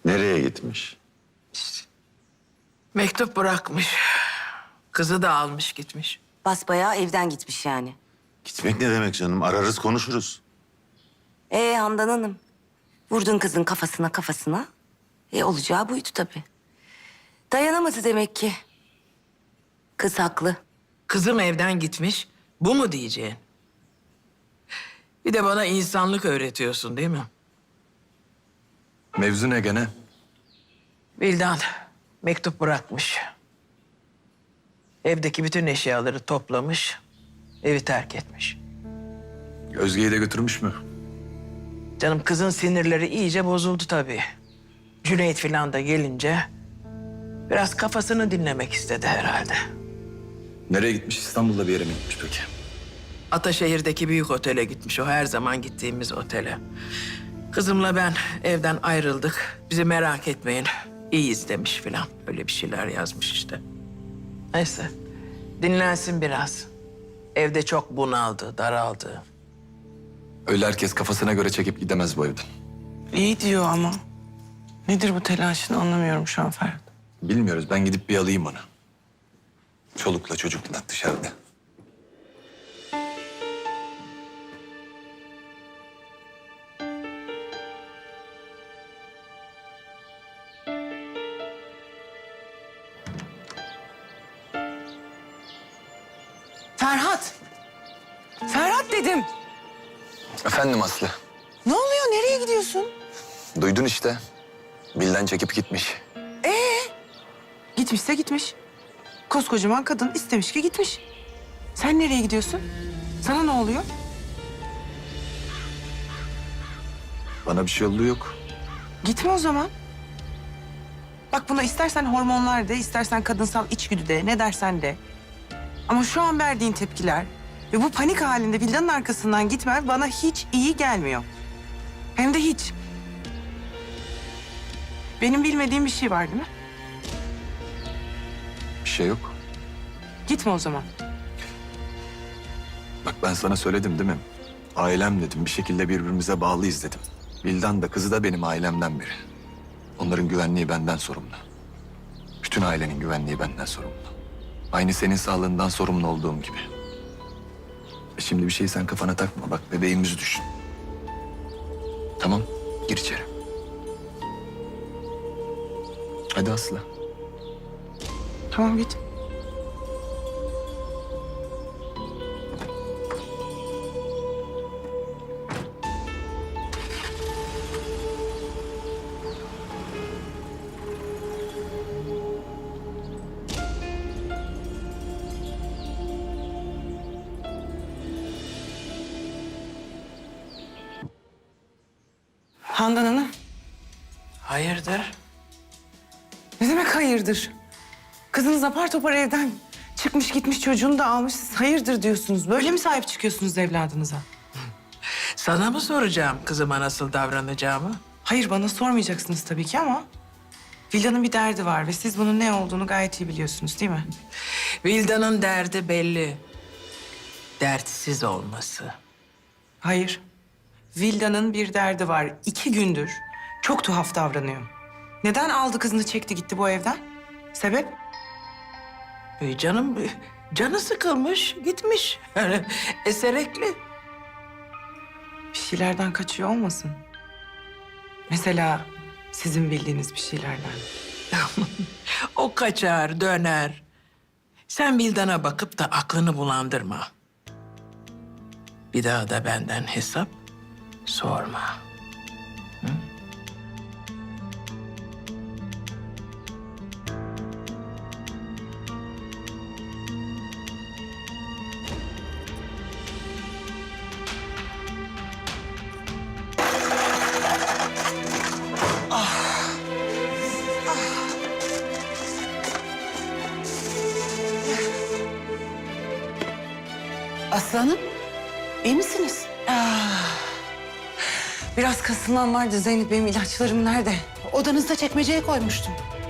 Nereye gitmiş? Mektup bırakmış. Kızı da almış gitmiş. Basbayağı evden gitmiş yani. Gitmek ne demek canım? Ararız konuşuruz. Handan Hanım. Vurdun kızın kafasına. Olacağı buydu tabii. Dayanamadı demek ki. Kız haklı. Kızım evden gitmiş. Bu mu diyeceğin? Bir de bana insanlık öğretiyorsun değil mi? Mevzu ne gene? Vildan mektup bırakmış. Evdeki bütün eşyaları toplamış. Evi terk etmiş. Özge'yi de götürmüş mü? Canım kızın sinirleri iyice bozuldu tabii. Cüneyt falan da gelince biraz kafasını dinlemek istedi herhalde. Nereye gitmiş? İstanbul'da bir yere mi gitmiş peki? Ataşehir'deki büyük otele gitmiş. O her zaman gittiğimiz otele. Kızımla ben evden ayrıldık. Bizi merak etmeyin. İyiyiz demiş filan. Öyle bir şeyler yazmış işte. Neyse. Dinlensin biraz. Evde çok bunaldı, daraldı. Öyle herkes kafasına göre çekip gidemez bu evden. İyi diyor ama. Nedir bu telaşını anlamıyorum şu an Ferhat. Bilmiyoruz. Ben gidip bir alayım onu. Çolukla çocukla dışarıda. Ferhat! Ferhat dedim. Efendim Aslı. Ne oluyor? Nereye gidiyorsun? Duydun işte. Bilden çekip gitmiş. Gitmişse gitmiş. Koskocaman kadın istemiş ki gitmiş. Sen nereye gidiyorsun? Sana ne oluyor? Bana bir şey olduğu yok. Gitme o zaman. Bak buna istersen hormonlar de, istersen kadınsal içgüdü de, ne dersen de. Ama şu an verdiğin tepkiler ve bu panik halinde villanın arkasından gitmen bana hiç iyi gelmiyor. Hem de hiç. Benim bilmediğim bir şey var değil mi? Bir şey yok. Gitme o zaman. Bak ben sana söyledim değil mi? Ailem dedim. Bir şekilde birbirimize bağlıyız dedim. Vildan da kızı da benim ailemden biri. Onların güvenliği benden sorumlu. Bütün ailenin güvenliği benden sorumlu. Aynı senin sağlığından sorumlu olduğum gibi. Şimdi bir şey sen kafana takma. Bak bebeğimizi düşün. Tamam, gir içeri. Hadi Aslı. Tamam git. Handan Hanım, Hayırdır? ne demek hayırdır? Kızınız apar topar evden çıkmış gitmiş çocuğunu da almış. Siz hayırdır diyorsunuz. Böyle mi sahip çıkıyorsunuz evladınıza? Sana mı soracağım kızıma nasıl davranacağımı? Hayır bana sormayacaksınız tabii ki ama... Vildan'ın bir derdi var ve siz bunun ne olduğunu gayet iyi biliyorsunuz değil mi? Vildan'ın derdi belli. Dertsiz olması. Hayır. Vildan'ın bir derdi var. 2 gündür çok tuhaf davranıyor. Neden aldı kızını çekti gitti bu evden? Sebep? Canı sıkılmış, gitmiş. Yani eserekli. Bir şeylerden kaçıyor olmasın? Mesela sizin bildiğiniz bir şeylerden. O kaçar, döner. Sen Vildan'a bakıp da aklını bulandırma. Bir daha da benden hesap sorma. Aslanım, iyi misiniz? Biraz kasılan vardı Zeynep. Benim ilaçlarım nerede? Odanızda çekmeceye koymuştum.